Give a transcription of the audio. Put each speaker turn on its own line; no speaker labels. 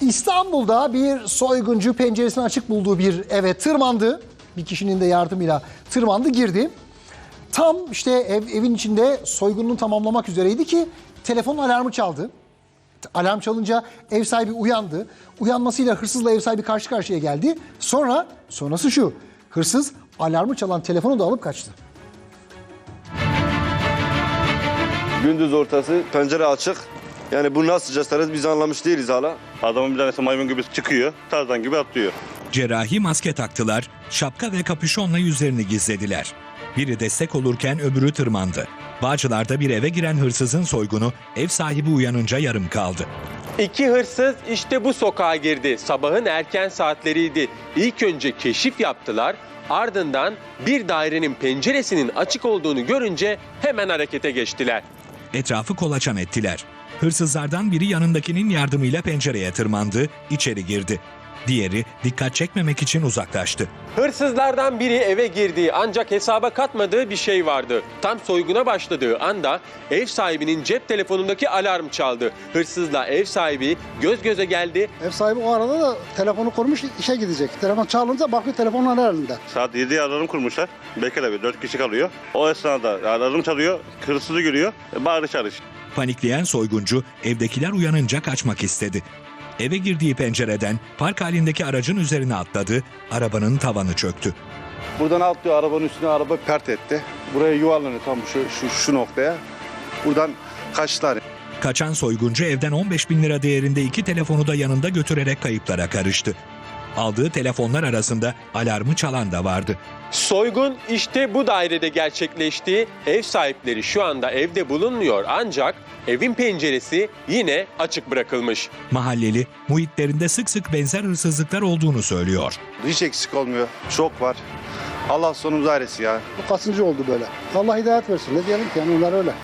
İstanbul'da bir soyguncu penceresini açık bulduğu bir eve tırmandı. Bir kişinin de yardımıyla tırmandı, girdi. Tam işte evin içinde soygununu tamamlamak üzereydi ki telefon alarmı çaldı. Alarm çalınca ev sahibi uyandı. Uyanmasıyla hırsızla ev sahibi karşı karşıya geldi. Sonrası şu. Hırsız alarmı çalan telefonu da alıp kaçtı.
Gündüz ortası, pencere açık. Yani bu nasıl cesaret biz anlamış değiliz hala.
Adamın bir tanesi maymun gibi çıkıyor, Tarzan gibi atlıyor.
Cerrahi maske taktılar, şapka ve kapüşonla yüzlerini gizlediler. Biri destek olurken öbürü tırmandı. Bağcılar'da bir eve giren hırsızın soygunu ev sahibi uyanınca yarım kaldı.
İki hırsız işte bu sokağa girdi. Sabahın erken saatleriydi. İlk önce keşif yaptılar. Ardından bir dairenin penceresinin açık olduğunu görünce hemen harekete geçtiler.
Etrafı kolaçan ettiler. Hırsızlardan biri yanındakinin yardımıyla pencereye tırmandı, içeri girdi. Diğeri dikkat çekmemek için uzaklaştı.
Hırsızlardan biri eve girdi ancak hesaba katmadığı bir şey vardı. Tam soyguna başladığı anda ev sahibinin cep telefonundaki alarm çaldı. Hırsızla ev sahibi göz göze geldi.
Ev sahibi o arada da telefonu kurmuş, işe gidecek. Telefon çalınca bakıyor telefonun elinde.
Saat 7'ye alarm kurmuşlar. Bekle bir 4 kişi kalıyor. O esnada alarm çalıyor, hırsızı görüyor, bağırış çağırış.
Panikleyen soyguncu evdekiler uyanınca kaçmak istedi. Eve girdiği pencereden park halindeki aracın üzerine atladı, arabanın tavanı çöktü.
Buradan atlıyor, arabanın üstüne araba pert etti. Buraya yuvarlanıyor tam şu noktaya. Buradan kaçtılar.
Kaçan soyguncu evden 15.000 lira değerinde 2 telefonu da yanında götürerek kayıplara karıştı. Aldığı telefonlar arasında alarmı çalan da vardı.
Soygun işte bu dairede gerçekleşti. Ev sahipleri şu anda evde bulunmuyor ancak evin penceresi yine açık bırakılmış.
Mahalleli muhitlerinde sık sık benzer hırsızlıklar olduğunu söylüyor.
Hiç eksik olmuyor. Çok var. Allah sonumuzu ailesin ya.
Bu kaçıncı oldu böyle. Allah hidayet versin. Ne diyelim ki yani onlar öyle.